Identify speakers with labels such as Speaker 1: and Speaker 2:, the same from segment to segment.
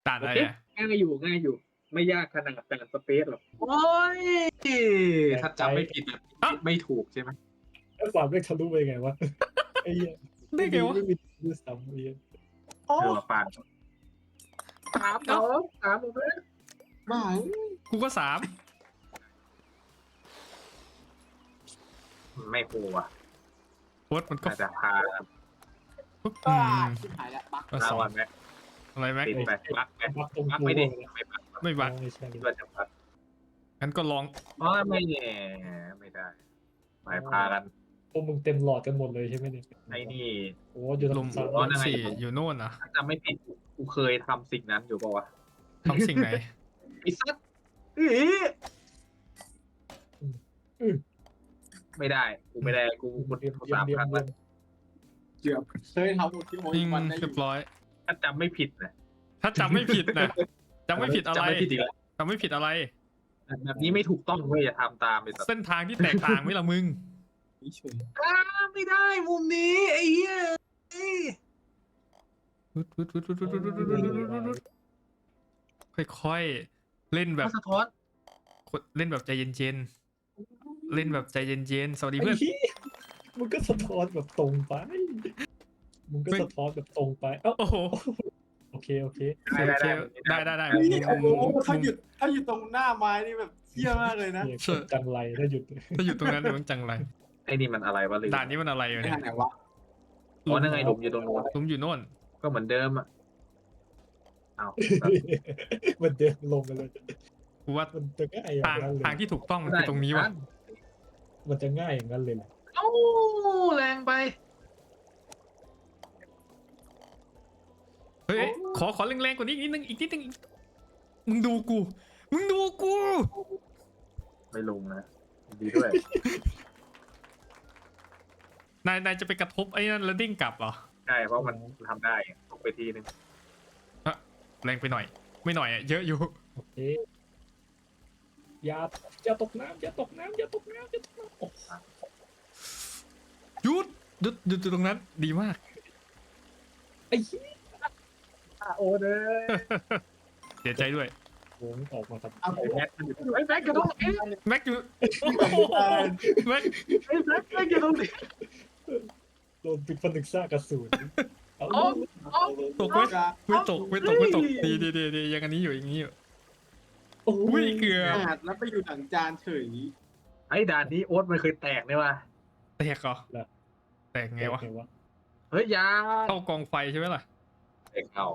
Speaker 1: ด่านอะไรอ่ะ
Speaker 2: ง่ายอยู่ง่ายอยู่ ไม่ยากขนาดแต่สเปซหรอก
Speaker 3: โอ้ยถ้าจำไม่ผิดแบบไม่ถูกใช่ไหม
Speaker 4: แล้วความไม่ทะลุไปไงวะไอ้เหี้ย
Speaker 1: ได้ไงวะ
Speaker 4: ไม่มีด้วยซ้ำไอ้เหี้ย
Speaker 3: มาปาน
Speaker 2: 3 ผมเลย
Speaker 3: บ้า
Speaker 1: กูก็3
Speaker 3: ไม่ครูอ่ะ
Speaker 1: โค้ดมันก็
Speaker 3: น่าจะพา
Speaker 1: ปุ๊บ
Speaker 3: ชิบหายแล้วบัก
Speaker 1: ก็
Speaker 3: ลา
Speaker 1: สอง
Speaker 3: วันไหม
Speaker 1: อะไรแม็ก
Speaker 3: ติดไปบักไป
Speaker 4: บักตรง
Speaker 3: บัก
Speaker 4: กู
Speaker 3: ไม่ได้
Speaker 4: เลย
Speaker 3: ไม่บัก
Speaker 1: ไม่บัก
Speaker 4: ไม่ใช่
Speaker 3: คิดว่าจะบัก
Speaker 1: งั้นก็ลอง
Speaker 3: อ๋อไม่แน่ไม่ได้หมายพากัน
Speaker 4: พวกมึงเต็มหลอดกันหมดเลยใช่ไหมเนี่ย
Speaker 3: ไอ้นี่
Speaker 4: โอ้อยู่ต
Speaker 1: ลุ
Speaker 4: ร
Speaker 1: ม
Speaker 4: งซ้าย
Speaker 3: อ๋อนั่นไง
Speaker 1: 4อยู่โน่นนะ
Speaker 3: ถ้าจำไม่ผิดกูเคยทำสิ่งนั้นอยู่ป่าวะ
Speaker 1: ทำสิ่งไหน
Speaker 3: ไอ้สัตว์ไม่ได้กูไม่ได้กู
Speaker 4: เรียม
Speaker 3: กู
Speaker 4: เรียม
Speaker 3: 3
Speaker 4: เรีย
Speaker 3: ครั้
Speaker 4: ม
Speaker 3: ง
Speaker 4: เรี
Speaker 3: แล้
Speaker 4: ยว ม
Speaker 5: เกือบเคยทำหมดที่โม
Speaker 1: ยิง
Speaker 5: วันได้อ
Speaker 1: เรีย
Speaker 5: ยู่
Speaker 1: บร้อย
Speaker 3: ถ้าจำไม่ผิดนะ
Speaker 1: ถ้าจำไม่ผิดนะจำไม่ผิดอะไร
Speaker 3: จำไม่ผิดอีกแล้ว
Speaker 1: จำไม่ผิดอะไร
Speaker 3: แบบนี้ไม่ถูกต้องเว้ยอย่าทำตามไปสัตว์
Speaker 1: เส้นทางที่แตกต่างไหมล่ะมึง
Speaker 5: เฉย
Speaker 3: ไม่ได้มุมนี้ไอ้เหี้ย
Speaker 1: ค่อยๆเล่นแบบ
Speaker 3: สะท้อน
Speaker 1: เล่นแบบใจเย็นๆเล่นแบบใจเย็นๆสวัสดี
Speaker 4: ไอ้
Speaker 1: เพื่อน
Speaker 4: เหี้ยมึงก็สะท้อนแบบตรงไปมึงก็สะท้อนแบบตรงไปเอ้า
Speaker 1: โอ้โห
Speaker 4: โอเค
Speaker 1: โอเคได้
Speaker 5: ๆโอ้โหถ้าหยุดตรงหน้าไม้นี่แบบเที่ยมากเลยนะ
Speaker 4: เนี่ยคนจังไรถ้าหยุด
Speaker 1: ถ้าอยู่ตรงนั้นเดี๋ยวมันจังไร
Speaker 3: ไอ้นี่มันอะไรวะลืม
Speaker 1: ด่านนี้มันอะไรอยู่
Speaker 5: ไม่
Speaker 1: เนี่ย
Speaker 5: ทางไหนวะ
Speaker 3: อ๋อนั่นไงหลุมอยู่ตรงโน้น
Speaker 1: ลุมอยู่โน่น
Speaker 3: ก็เหมือนเดิมอ่ะเอา
Speaker 4: มันเดินลงกันเลย
Speaker 1: กูว่า
Speaker 4: มันจะง่ายอย่างนั้นเลย
Speaker 1: ทางที่ถูกต้องมันคือตรงนี้วะ
Speaker 4: มันจะง่ายอย่างนั้นเลยเหรอ
Speaker 3: เอ้าแรงไป
Speaker 1: เฮ้ยขอแรงๆกว่านี้อีกนิดนึงมึงดูกู
Speaker 3: ไม่ลงนะดีด้วย
Speaker 1: นายจะไปกระทบไอ้นั่นแล้วดิ้งกลับเหรอ
Speaker 3: ใช่เพราะมันทำได้ตกไปทีนึง
Speaker 1: แรงไปหน่อย ไม่หน่อยอะเยอะอยู่
Speaker 4: โอเคอย่าตกน้ำอย่าตกน้ำโอ้
Speaker 1: หยุดตรงนั้นดีมาก
Speaker 4: ไอ้เหี้ย
Speaker 2: โอ้เด้อ
Speaker 1: เสียใจด้วย
Speaker 4: โหออกมาทำ
Speaker 5: เอา
Speaker 3: ไอ้แม็กมันอยู่
Speaker 2: ไอ้แบ็กกระโดดเอ้ย
Speaker 1: แม็กอยู่แม็ก
Speaker 2: ไอ้แบ็กกระโดด
Speaker 4: โดนปิดผนึกซ่ากระสุนเอา
Speaker 1: ตกไหมไม่ตกดียังอันนี้อยู่อย่างนี้อยู่
Speaker 4: โอ้
Speaker 1: อุ้
Speaker 4: ย
Speaker 1: ยเกือบ
Speaker 5: อาดแล้วไปอยู่หลังจานเฉย
Speaker 3: ไอ้ด่านนี้โอ๊ตมันเคยแตกเนี่ยว่ะ
Speaker 1: แตกเหรอแตกไงวะ
Speaker 3: เฮ้ยยา
Speaker 1: เข้ากองไฟใช่ไหมล่ะ
Speaker 3: เด็กเอา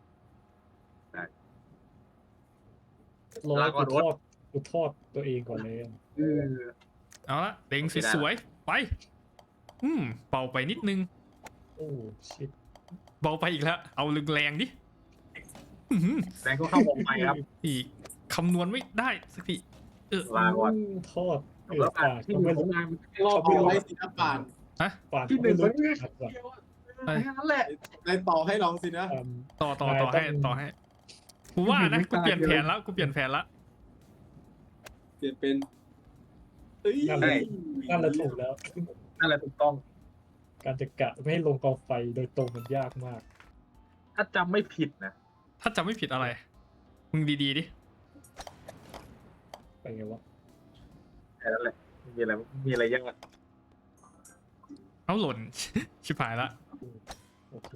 Speaker 4: รอกูทอดตัวเองก่อนเลย
Speaker 1: เอาละเล็งสวยๆไปเบาไปนิดนึง
Speaker 4: โอ้ชิต
Speaker 1: เบาไปอีกแล้วเอาแรงดิ
Speaker 3: แรงก็เข้าวงไปครับ
Speaker 1: อีกคำนวณไม่ได้สักที
Speaker 3: ลาก่อน
Speaker 4: ทอด
Speaker 3: แล้ว
Speaker 4: ปาก
Speaker 3: ที่
Speaker 4: ก็
Speaker 3: ห
Speaker 4: ไม่
Speaker 3: นึ่งข
Speaker 4: รู้
Speaker 3: องงาน
Speaker 5: รอบเอาไว้สินะป่าน
Speaker 4: ปาก
Speaker 2: ที่หนึ่ง
Speaker 4: ไม่
Speaker 2: มัน
Speaker 4: รู้
Speaker 2: เนี่ย
Speaker 4: ชัดว่ะ
Speaker 3: แค่นั้นแหละ
Speaker 5: ในต่อให้ลองสินะ
Speaker 1: ต่อให้กูว่านะกูเปลี่ยนแผนแล้ว
Speaker 5: เปลี่ยนเป็น
Speaker 4: นั่นแหละถูกแล้ว
Speaker 3: นั่นแหละถูกต้อง
Speaker 4: การจะกะไม่ให้ลงกองไฟโดยตรงมันยากมาก
Speaker 3: ถ้าจำไม่ผิดนะ
Speaker 1: ถ้าจำไม่ผิดอะไร มึงดีๆดิ
Speaker 4: ไปไงวะ
Speaker 3: แค่นั้นแหละมีอะไรยาก
Speaker 1: เอาหล่น ชิบหายละ
Speaker 4: โอเค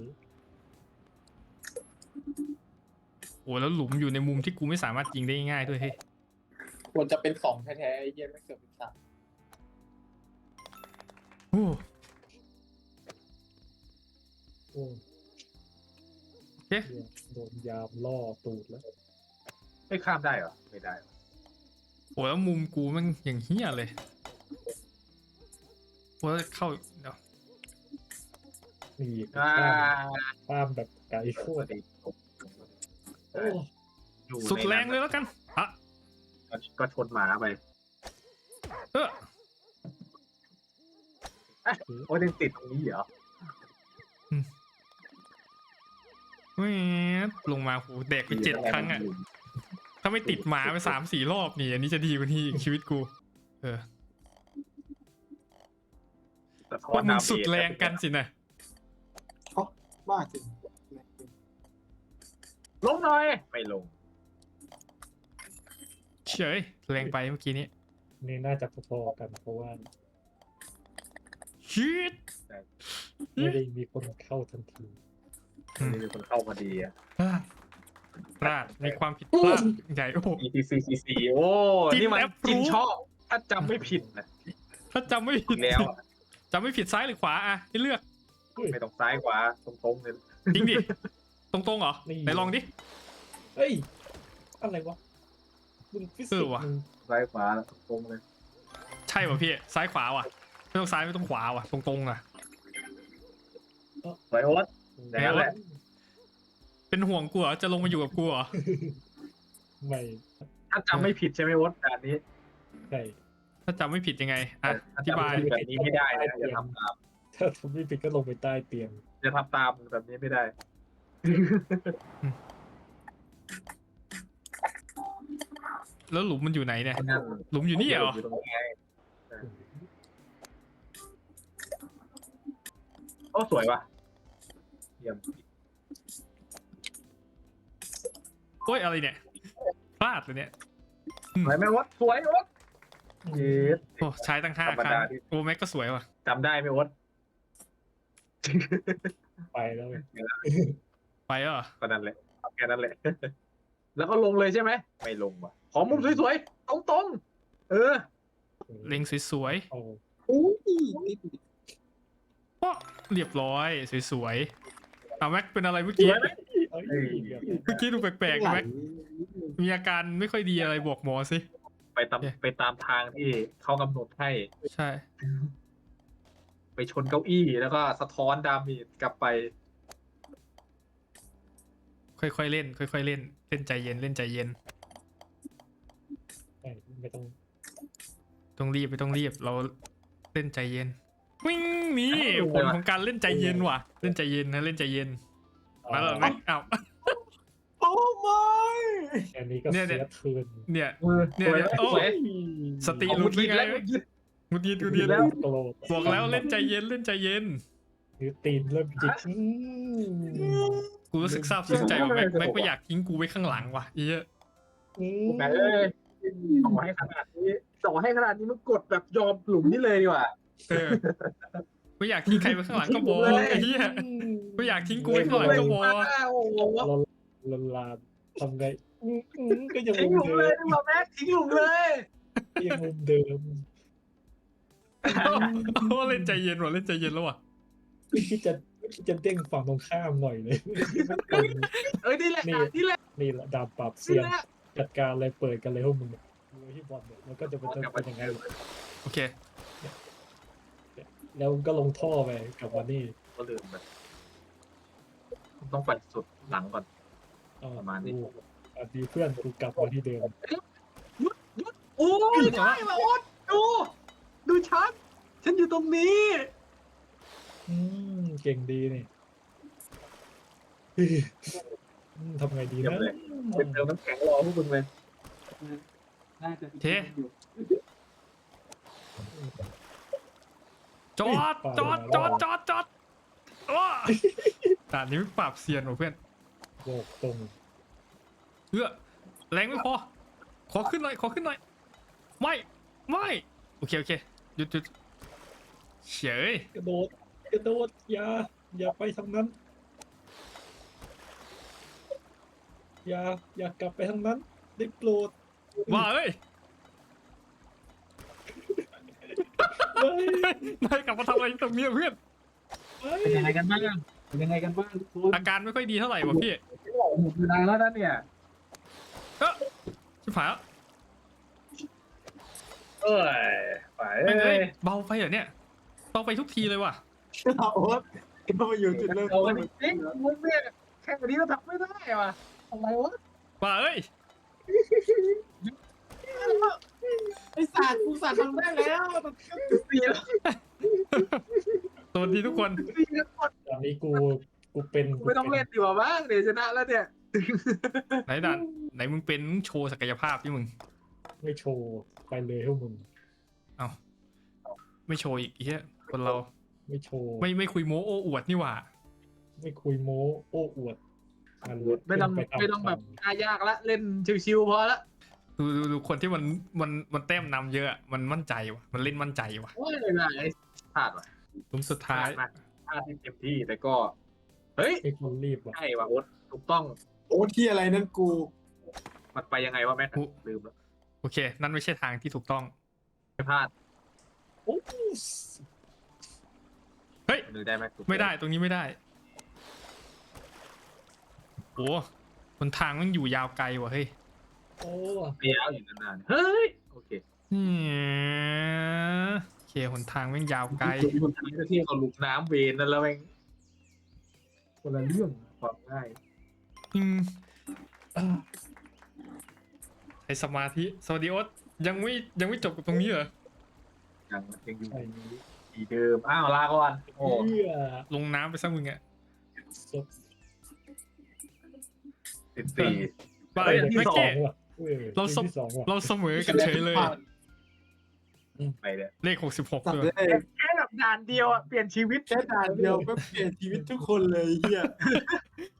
Speaker 1: โอ้แล้วหลุมอยู่ในมุมที่กูไม่สามารถยิงได้ง่ายด้วยเฮ้ย
Speaker 5: ควรจะเป็น2แท้ๆไอ้เหี้ยไม่เกือบเป็น3
Speaker 1: โอ้
Speaker 4: โอ้
Speaker 1: โอเค
Speaker 4: โดนยามล่อตูดแล้ว
Speaker 3: ไม่ข้ามได้เหรอไม่ได้
Speaker 1: โหแล้วมุมกูมันอย่างเฮี้ยเลยโอ้เข้าเดี๋ยว
Speaker 4: นี่
Speaker 3: อ่า
Speaker 4: ข้ามแบบไกลโคตรโอ้
Speaker 1: สุดแรงเลยแล้วกันอ่ะ
Speaker 3: ก็ชนหมาไป
Speaker 1: เออ
Speaker 3: โอ้ยังติดตรงนี้เหรอ
Speaker 1: แหมลงมาหูแดกไป7 ครั้งอ่ะ ถ้าไม่ติดหมาไป3-4 รอบนี่อันนี้จะดีกว่านี้อีกชีวิตกู พวกมึงสุดแรงกันสินะ
Speaker 5: บ้าจริง
Speaker 3: ลงหน่อยไม่ลง
Speaker 1: เฉยแรงไปเมื่อกี้นี้
Speaker 4: นี่น่าจะพอๆกันเพราะว่า
Speaker 1: ชิด
Speaker 4: ไม่ได้มีคนเข้าทันที
Speaker 3: มีคนเข้ามาดีอ่ะ
Speaker 1: พลาดในความผิดพลาดใหญ่โอ้โห
Speaker 3: ETC โอ้
Speaker 1: จิน
Speaker 3: นี่มัน
Speaker 1: แอป
Speaker 3: จิน
Speaker 1: รู้
Speaker 3: ชอบถ้าจำไม่ผิดนะ
Speaker 1: ถ้าจำไม่ผิด
Speaker 3: แล้ว
Speaker 1: จำไม่ผิดซ้ายหรือขวาอะให้เลือก
Speaker 3: ไม่ต้องซ้ายขวาตรงๆเลย
Speaker 1: จริงดิ ตรงๆเหรอไหนลองดิ
Speaker 4: เฮ้ยอะไรวะมึงฟิสิกส์
Speaker 1: ว่ะ
Speaker 4: มึง
Speaker 3: ซ้ายขวาตรงๆเลย
Speaker 1: ใช่ป่ะพี่ซ้ายขวาว่ะไม่ต้องซ้ายไม่ต้องขวาว่ะตรงๆอะ
Speaker 3: สวยโอ๊ต อย่างนั้นแหละ
Speaker 1: เป็นห่วงกูเหรอจะลงมาอยู่กับกูเหรอ
Speaker 4: ไม่
Speaker 3: ถ้าจำไม่ผิดใช่ไหมโอ๊ตการนี้
Speaker 4: ใช่
Speaker 1: ถ้าจำไม่ผิดยังไงอ่ะอธิบาย
Speaker 3: ถ้จำไม่ผิดแบบนี้ไม่ได้นะอย่าทำตาม
Speaker 4: ถ้าทำไม่ผิดก็ลงไปใต้เตียง
Speaker 3: อย่าทำตามแบบนี้ไม่ได้
Speaker 1: แล้วหลุมมันอยู่ไหนเนี่ย
Speaker 3: นั่น
Speaker 1: หลุมอยู่นี่เหรอ
Speaker 3: อยู่ตรงนี้ไงโอ้สวยว่ะเยี่ยม
Speaker 1: โอ้ยอะไรเนี่ยพลาดเลยเนี่ย
Speaker 3: สวยไหมโอ๊ตสวยโอ๊ตเย็ด
Speaker 1: โอ้ใช้ตั้ง5
Speaker 3: ธรรม
Speaker 1: ครั้ง
Speaker 3: ดาที่
Speaker 1: โอ้แม็กก็สวยว่ะ
Speaker 3: จำได้ไหมโอ๊ต
Speaker 4: ไปแล้วไง
Speaker 1: ไปแล้วเหรอ
Speaker 3: ก็นั่นแหละแค่นั้นแหละ แล้วก็ลงเลยใช่ไหมไม่ลงว่ะขอมุมสวยๆตรงๆ
Speaker 1: เล็งสวย
Speaker 4: เอา
Speaker 1: ๆโอ้เรียบร้อยสวยๆเอาแม็กเป็นอะไรเมื่อกี้
Speaker 4: เอ้ยเดี๋ยวนะ
Speaker 1: เมื่อกี้ดูแปลกๆนะแม็กมีอาการไม่ค่อยดีอะไรบอกหมอสิ
Speaker 3: ไปตามทางที่เขากำหนดให้
Speaker 1: ใช่
Speaker 3: ไปชนเก้าอี้แล้วก็สะท้อนดาเมจกลับไป
Speaker 1: ค่อยๆเล่นค่อยๆเล่นเล่นใจเย็นเล่นใจเย็น
Speaker 4: ไม่ต้อง
Speaker 1: ต้องรีบไม่ต้องรีบเราเล่นใจเย็นวิ่งนี่ผลของการเล่นใจเย็นว่ะ เล่นใจเย็นนะเล่นใจเย็นมาแล้วแม็กอ้าว
Speaker 5: โอ้ไม่
Speaker 4: อันนี้ก็
Speaker 1: เนี่ย
Speaker 4: เสียคืน
Speaker 1: เนี่ย
Speaker 3: สวย
Speaker 1: โอ้
Speaker 3: สวย
Speaker 1: สติ
Speaker 3: เอา
Speaker 1: หลุ
Speaker 3: มุ
Speaker 1: ด
Speaker 3: ด
Speaker 1: ไป
Speaker 3: ยิด
Speaker 1: ไง
Speaker 3: แล้วมุดยิด
Speaker 1: มุดยิดมุดยิด
Speaker 3: แล้ว
Speaker 4: โกรธ
Speaker 1: บอกแล้วเล่นใจเย็นเล่นใจเย็น
Speaker 4: นิ้วตีนเริ่มจิก
Speaker 1: กูรู้สึกซาบซึ้งใจว่าแม็กไม่อยากทิ้งกูไว้ข้างหลังว่ะเหี้ย
Speaker 3: แม่เอ้ยส่งให้ขนาดนี้มันกดแบบยอมหลุมนี้เลยดีกว่า
Speaker 1: เออไม่อยากทิ้งใครไว้ข้างหลังก็บอกไอ้เหี้ยไม่อยากทิ้งกูไว้ข้างหลังก็บอก
Speaker 3: โอ้โห
Speaker 4: ลนลานทำไงก็ยัง
Speaker 3: ทิ้ง
Speaker 4: มุ
Speaker 3: ห
Speaker 4: ม
Speaker 3: ลุม
Speaker 4: เดิ
Speaker 3: เลย
Speaker 4: ม
Speaker 3: ดีกว่าแม็กทิ้งหลุมเลย
Speaker 4: ยังมุมเดิม
Speaker 1: โอ้เล่นใจเย็นว่ะเล่นใจเย็นแล้วว่ะ
Speaker 4: ไม่คิดจะเด้งฝั่งตรงข้ามหน่อยเลย
Speaker 3: เอ้ยนี่แหละนี่แหละ
Speaker 4: นี่แหละดาบปราบเซี
Speaker 3: นี่
Speaker 4: ยน
Speaker 3: แหละ
Speaker 4: จัดการเลยเปิดกันเลยพวกมึงที่บอลเนี่ยมันก็จะเป็นยังไง
Speaker 1: โอเค
Speaker 4: แล้วก็ลงท่อไปกับวันนี้
Speaker 3: ก็ลืมไปต้องไปสุดหลังก่อน ประมาณนี้
Speaker 4: อันดีเพื่อนกูกลับมาที่เดิม
Speaker 3: โอ้ยได้มาโอ๊ตดูฉันอยู่ตรงนี้
Speaker 4: เก่งดีนี่ทำไงดี
Speaker 3: เยี่ยม
Speaker 4: นะ
Speaker 3: เลยเป็นเติมน้ำแข็งรอพวกมึงเลยน่าจะ
Speaker 1: เทจอดโอ้ด่านนี้ไม่ปราบเซียนว่ะเพื่อน
Speaker 4: โลกตรง
Speaker 1: เพื่อแรงไม่พอขอขึ้นหน่อยไม่โอเคหยุดเฉย
Speaker 4: กระโดดอย่าไปทางนั้น อย่ากลับไปทางนั้นได้โปรด
Speaker 1: ว่าเอ้ย
Speaker 4: เฮ้ย
Speaker 1: นายกลับมาทำอะไรตรงนี้เพื่อน
Speaker 3: เป็นยังไงกันบ้างทุกคน
Speaker 1: อาการไม่ค่อยดีเท่าไหร่ว่ะพี่
Speaker 3: หมดเวลาแล้วนะเนี่ย
Speaker 1: ชิบหายแล้ว
Speaker 3: เอ้ยไป
Speaker 1: แม่ง
Speaker 3: เอ้
Speaker 1: เอ้
Speaker 3: ย
Speaker 1: ยเบาไปเหรอเนี่ยเบาไปทุกทีเลยว่ะ
Speaker 5: โอ๊ตก็มาอยู่จุดเริ่ม
Speaker 3: เอา
Speaker 5: ต้น
Speaker 3: จริงมึงเนี่ยแค่นี้ก็ทำไม่ได้ว่ะทำไมวะ
Speaker 1: ว่าเอ้ย
Speaker 5: ไอ้สัตว์กูสัตว์ทำได้แล้ว
Speaker 3: เสียแล้ว
Speaker 1: สวัสดีทุกคน
Speaker 4: ตอนนี้กูเป็น
Speaker 3: ไม่ต้องเล่นดีกว่าบ้างเดี๋ยวชนะแล้วเนี่ย
Speaker 1: ไหนด่านไหนมึงเป็นมึงโชว์ศักยภาพที่มึง
Speaker 4: ไม่โชว์ไปเลยพวกมึง
Speaker 1: เอาไม่โชว์อีกเฮียคนเรา
Speaker 4: ไม่โชว์
Speaker 1: ไม่คุยโม้โอ้อวดนี่หว่า
Speaker 4: ไม่คุยโม้โอ้อวด
Speaker 3: ไม่ต้องแบบยากละเล่นชิวๆพอละ
Speaker 1: ดูคนที่มันแต้มนำเยอะมันมั่นใจว่ะมันเล่นมั่นใจว่ะ
Speaker 3: โอ้ยไอ้พลาดว่ะ
Speaker 1: หลุมสุดท้าย
Speaker 3: พลาดที่เต็มที่แต่ก็เฮ้ย
Speaker 4: ไอ้คนรีบว่ะ
Speaker 3: ใช่ว่ะโอ๊ตถูกต้อง
Speaker 5: โอ้ที่อะไรนั่นกู
Speaker 3: มันไปยังไงวะแม็กลืมแล้ว
Speaker 1: โอเค นั่นไม่ใช่ทางที่ถูกต้อง
Speaker 3: ไม่พลาด
Speaker 4: โอ้
Speaker 1: เฮ้ย
Speaker 3: หรือได้ไหม
Speaker 1: ไม่ได้ตรงนี้ไม่ได้โอ้บนทางมันอยู่ยาวไกลว่ะเฮ้ย
Speaker 4: โอ้
Speaker 3: ไม่ยาวอยู่นานๆเฮ้ยโอเค
Speaker 1: โอเคหนทางแม่งยาวไกล
Speaker 3: คนทำที่เขาลุกน้ำเวนนั่นแล้วแม่งคนละเรื่องความง่าย
Speaker 1: อืม
Speaker 4: อ่า
Speaker 1: ใช้สมาธิสวัสดีโอ๊ตยังไม่จบกับตรงนี้เหรอ
Speaker 3: ยังอยู่
Speaker 4: ไอ้
Speaker 3: ที่เดิมอ้าวลาก่อนโอ้
Speaker 4: เหี้ย
Speaker 1: ลงน้ำไปซะมึงอะ
Speaker 4: สด
Speaker 3: 14
Speaker 1: บ้า
Speaker 3: เฮ้ยอันที่
Speaker 1: แม็ก
Speaker 3: สอง
Speaker 1: เก้
Speaker 4: ว่ะเว้ย
Speaker 1: เราสม
Speaker 4: ที่สองว่ะ
Speaker 1: เราเสมอกันเฉยเลย
Speaker 3: ไปเนี่ย
Speaker 1: เลข66
Speaker 5: ตัด
Speaker 1: ด้วย
Speaker 5: ได้
Speaker 3: แค่แบบด่านเดียวอ่ะเปลี่ยนชีวิต
Speaker 5: แค่ด่านเดียวก็เปลี่ยนชีวิตทุกคนเลยเฮีย